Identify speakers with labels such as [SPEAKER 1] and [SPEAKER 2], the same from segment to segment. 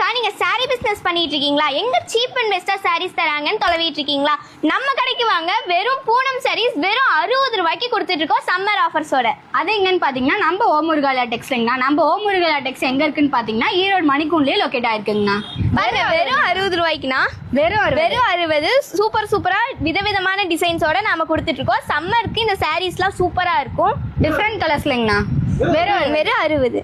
[SPEAKER 1] நீங்க sorry business பண்ணிட்டு இருக்கீங்களா? எங்க சீப் அண்ட் பெஸ்டா சாரீஸ் தராங்கன்னு தொலைவிட்டு இருக்கீங்களா? நம்ம கடைக்கு வாங்க. வெறும் பூனம் சாரீஸ் வெறும் 60 ரூபாய்க்கு கொடுத்துட்டு இருக்கோம் சம்மர் ஆஃபர்ஸோட.
[SPEAKER 2] அது எங்கன்னு பாத்தீங்கன்னா நம்ம ஓமுருகாலா டெக்ஸ்டைல்னா. நம்ம ஓமுருகாலா டெக்ஸ் எங்க இருக்குன்னு பாத்தீங்கன்னா ஈரோடு மணிக்கூண்ட்லயே லொகேட் ஆயிருக்குங்கண்ணா.
[SPEAKER 1] வெறும் 60 ரூபாய்க்குனா வெறும் 60 சூப்பரா விதவிதமான டிசைன்ஸோட நாம கொடுத்துட்டு இருக்கோம். சம்மருக்கு இந்த சாரீஸ்லாம் சூப்பரா இருக்கும்.
[SPEAKER 2] டிஃப்ரெண்ட் கலர்ஸ்லங்கண்ணா.
[SPEAKER 1] வெறும் 60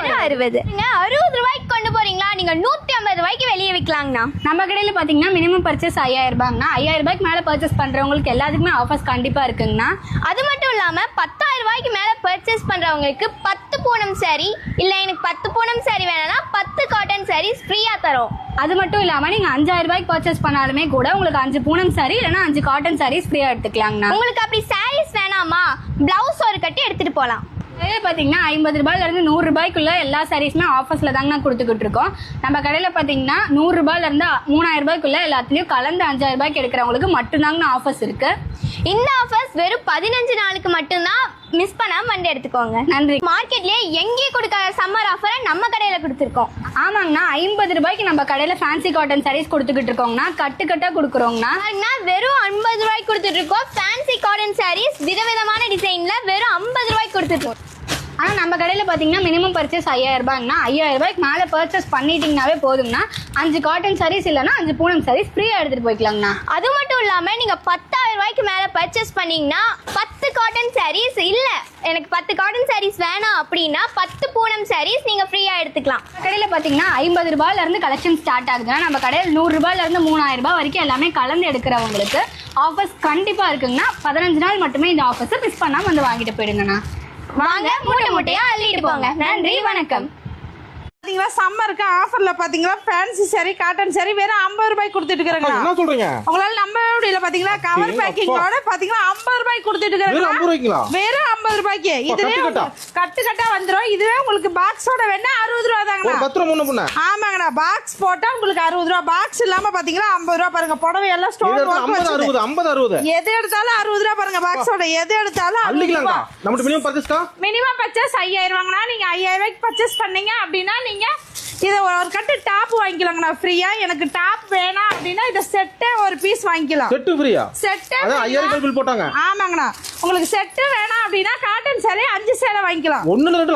[SPEAKER 1] நீங்க 60 ரூபாய்க்கு கொண்டு போறீங்களா? நீங்க 150 ரூபாய்க்கு வெளியே விற்கலாங்கண்ணா.
[SPEAKER 2] நம்ம கடையில பாத்தீங்கன்னா மினிமம் பர்ச்சேஸ் 5000 ரூபாய்னா 5000 ரூபாய்க்கு மேல பர்ச்சேஸ் பண்றவங்களுக்கு எல்லாத்துக்குமே ஆஃபர்ஸ் கண்டிப்பா இருக்குங்கண்ணா.
[SPEAKER 1] அது மட்டும் இல்லாம 10000 ரூபாய்க்கு மேல பர்ச்சேஸ் பண்றவங்களுக்கு 10 பூனம் சாரி இல்ல எனக்கு 10 பூனம் சாரி வேணும்னா 10 காட்டன் சாரீஸ் ஃப்ரீயா தரோம்.
[SPEAKER 2] அது மட்டும் இல்லாம நீங்க 5000 ரூபாய்க்கு பர்ச்சேஸ் பண்ணாலுமே கூட உங்களுக்கு 5 பூனம் சாரி இல்லைன்னா 5 காட்டன் சாரீஸ் ஃப்ரீயா எடுத்துக்கலாங்கண்ணா.
[SPEAKER 1] உங்களுக்கு அப்படி சாரீஸ் வேணாமா, பிளவுஸ் ஒரு கட்டி எடுத்துட்டு போலாம்.
[SPEAKER 2] அதே பார்த்தீங்கன்னா 50 ரூபாயிலிருந்து 100 ரூபாய்க்குள்ள எல்லா சாரீஸுமே ஆஃபர்ஸில் தாங்க நான் கொடுத்துக்கிட்டு இருக்கோம். நம்ம கடையில் பார்த்தீங்கன்னா 100 ரூபாயிலிருந்து 3000 ரூபாய்க்குள்ள எல்லாத்துலேயும் கலந்து 5000 ரூபாய்க்கு எடுக்கிறவங்களுக்கு மட்டும்தாங்க ஆஃபர்ஸ் இருக்கு.
[SPEAKER 1] இந்த ஆஃபர்ஸ் வெறும் 15 நாளுக்கு மட்டும்தான். மிஸ் பண்ணாம வந்து எடுத்துக்கோங்க.
[SPEAKER 2] நன்றி.
[SPEAKER 1] மார்க்கெட்லயே எங்கேயும் கொடுக்காத சம்மர் ஆஃபரை நம்ம கடையில கொடுத்துருக்கோம்.
[SPEAKER 2] ஆமாங்கண்ணா, 50 ரூபாய்க்கு நம்ம கடையில் ஃபேன்சி காட்டன் சாரீஸ் கொடுத்துக்கிட்டு இருக்கோங்கண்ணா. கட்டா கொடுக்குறோங்கண்ணா.
[SPEAKER 1] வெறும் 50 ரூபாய்க்கு கொடுத்துட்டு இருக்கோம். ஃபேன்சி காட்டன் சாரீஸ் விதவிதமான டிசைன்ல வெறும் 50 ரூபாய்க்கு கொடுத்துருக்கோம்.
[SPEAKER 2] ஆனால் நம்ம கடையில் பார்த்தீங்கன்னா மினிமம் பர்ச்சேஸ் 5000 ரூபாய்னா 5000 ரூபாய்க்கு மேலே பர்ச்சேஸ் பண்ணிட்டீங்கன்னாவே போதுங்கண்ணா. 5 காட்டன் சாரீஸ் இல்லைன்னா 5 பூனம் சாரீஸ் ஃப்ரீயாக எடுத்துகிட்டு போய்க்கலாங்கண்ணா.
[SPEAKER 1] அது மட்டும் இல்லாமல் நீங்கள் 10000 ரூபாய்க்கு மேலே பர்ச்சேஸ் பண்ணீங்கன்னா 10 காட்டன் சாரீஸ் இல்லை எனக்கு 10 காட்டன் சாரீஸ் வேணாம் அப்படின்னா 10 பூனம் சாரீஸ் நீங்கள் ஃப்ரீயாக எடுத்துக்கலாம்.
[SPEAKER 2] கடையில் பார்த்தீங்கன்னா 50 ரூபாயிலேருந்து கலெக்ஷன் ஸ்டார்ட் ஆகுதுன்னா நம்ம கடையில் 100 ரூபாயிலேருந்து 3000 ரூபாய் வரைக்கும் எல்லாமே கலந்து எடுக்கிறவங்களுக்கு ஆஃபர்ஸ் கண்டிப்பாக இருக்குங்கண்ணா. 15 நாள் மட்டுமே இந்த ஆஃபர்ஸை மிஸ் பண்ணாமல் வந்து வாங்கிட்டு போயிடுங்கண்ணா.
[SPEAKER 1] வாங்க, மூட்டையா அள்ளிட்டு போங்க. நன்றி, வணக்கம்.
[SPEAKER 3] பாத்தீங்களா சம்மருக்கு ஆஃபர்ல பாத்தீங்களா ஃபேன்சி சாரி காட்டன் சாரி வெறும் 50 ரூபாய்க்கு கொடுத்துட்டு இருக்காங்க.
[SPEAKER 4] என்ன சொல்றீங்க?
[SPEAKER 3] உங்களால நம்ப முடியல. பாத்தீங்களா கவர் பேக்கிங்கோட பாத்தீங்களா 50 ரூபாய்க்கு கொடுத்துட்டு இருக்காங்க. வெறும் 50 ரூபாய்க்கு. இதுவே கட்டு வந்துரும். இதுவே உங்களுக்கு பாக்ஸோட வேணா 60 ரூபாய் தாங்கண்ணா.
[SPEAKER 4] 10 ரூபாய் முன்ன பின்ன.
[SPEAKER 3] ஆமாங்கண்ணா, பாக்ஸ் போட்டா உங்களுக்கு 60 ரூபாய். பாக்ஸ் இல்லாம பாத்தீங்களா 50 ரூபாய். பாருங்க புடவை எல்லாம் ஸ்டோன் வர்க்
[SPEAKER 4] 50 60
[SPEAKER 3] எது எடுத்தாலும் 60 ரூபாய். பாருங்க பாக்ஸோட எது எடுத்தாலும் 60 ரூபாய்.
[SPEAKER 4] நம்ம மினிமம் பர்ச்சேஸ்க்கா
[SPEAKER 3] மினிமம் பர்ச்சேஸ் 5000 வாங்கினா நீங்க 5000 ரூபாய்க்கு பர்ச்சேஸ் பண்ணீங்க அப்படின்னா நீங்க இதை ஒரு கட்டு டாப் வாங்கிக்கலாங்கண்ணா ஃப்ரீயா. எனக்கு டாப் வேணாம் அப்படின்னா இதை செட்டே ஒரு பீஸ் வாங்கிக்கலாம்.
[SPEAKER 4] செட்டு ஃப்ரீயா?
[SPEAKER 3] செட்டு
[SPEAKER 4] 5000 பில் போட்டாங்க.
[SPEAKER 3] ஆமாங்கண்ணா, உங்களுக்கு செட்டு வேணாம் அப்படின்னா காட்டன் சேலை 5 சேலை வாங்கிக்கலாம்.
[SPEAKER 4] 1 2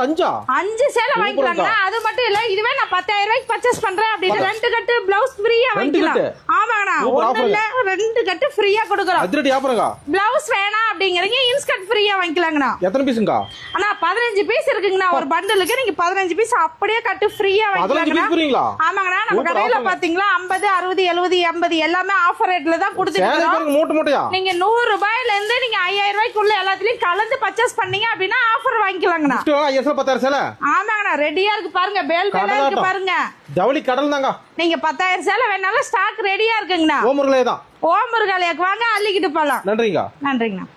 [SPEAKER 4] 5
[SPEAKER 3] சேலை வாங்கிக்கலாங்கண்ணா. அது மட்டும் இல்ல, இதுவே நான் 10000 ரூபாய்க்கு பர்ச்சேஸ் பண்றேன் அப்படின்னா 2 கட்டு பிளவுஸ் ஃப்ரீயா வாங்கிக்கலாம். ஆமாங்கண்ணா, 1 இல்ல 2 கட்டு ஃப்ரீயா கொடுக்குறோம்.
[SPEAKER 4] அதிரடி ஆஃபருங்க.
[SPEAKER 3] பிளவுஸ் வேணாம் அப்படிங்கறீங்க இன்ஸ்கர்ட் ஃப்ரீயா வாங்கிக்கலாங்கண்ணா.
[SPEAKER 4] எத்தனை பீஸ்ங்கா?
[SPEAKER 3] அண்ணா 15 பீஸ் இருக்குங்கண்ணா. ஒரு பண்டலுக்கு நீங்க 15 பீஸ் அப்படியே கட்டு ஃப்ரீயா வாங்கிக்கலாம். ஆமாங்கண்ணா, நம்ம கடையில பாத்தீங்களா 50 60 70 80 எல்லாமே ஆஃபர் ரேட்ல தான் கொடுத்துட்டு இருக்கோம். நீங்க 100 ரூபாயில இருந்து நீங்க 5000 ரூபாய்க்குள்ள எல்லாத்துலயும் கலந்து பர்ச்சேஸ் பண்ணீங்க அப்படின்னா ஆஃபர் வாங்கிக்கலாங்கண்ணா.
[SPEAKER 4] 10,000 சேலை.
[SPEAKER 3] ஆமாங்கண்ணா, ரெடியா இருக்கு பாருங்க. பேல் பேலா இருக்கு பாருங்க.
[SPEAKER 4] ஜவுளி கடல் தாங்க.
[SPEAKER 3] நீங்க 10000 சேலை வேணாலும் ஸ்டாக் ரெடியா இருக்குங்கண்ணா.
[SPEAKER 4] ஓமுருகாலே தான்.
[SPEAKER 3] ஓமுருகாலேக்கு வாங்க, அள்ளிக்கிட்டு போலாம்.
[SPEAKER 4] நன்றிங்க.
[SPEAKER 3] நன்றிங்கண்ணா.